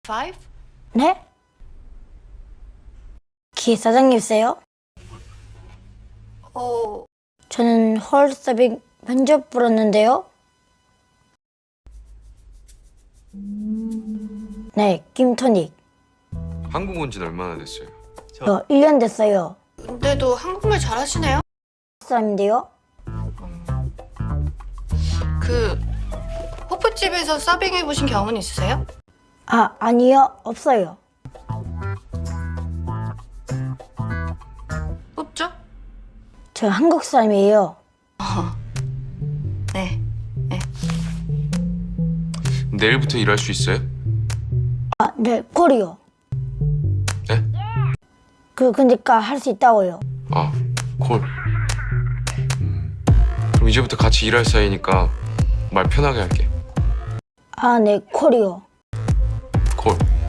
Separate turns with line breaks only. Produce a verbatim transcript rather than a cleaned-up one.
Five?
네? 기획 사장님이세요?
어,
저는 홀 서빙 면접 불었는데요. 네, 김토닉.
한국 온 지는 얼마나 됐어요?
저 일 년 됐어요.
근데도 한국말 잘하시네요?
사람인데요.
그 호프집에서 서빙 해보신 경험은 있으세요?
아, 아니요. 없어요.
뽑죠?
저 한국 사람이에요.
네. 네.
내일부터 일할 수 있어요?
아, 네, 콜이요.
네?
그, 그니까 할 수 있다고요.
아, 콜. 음, 그럼 이제부터 같이 일할 사이니까 말 편하게 할게.
아, 네, 콜이요.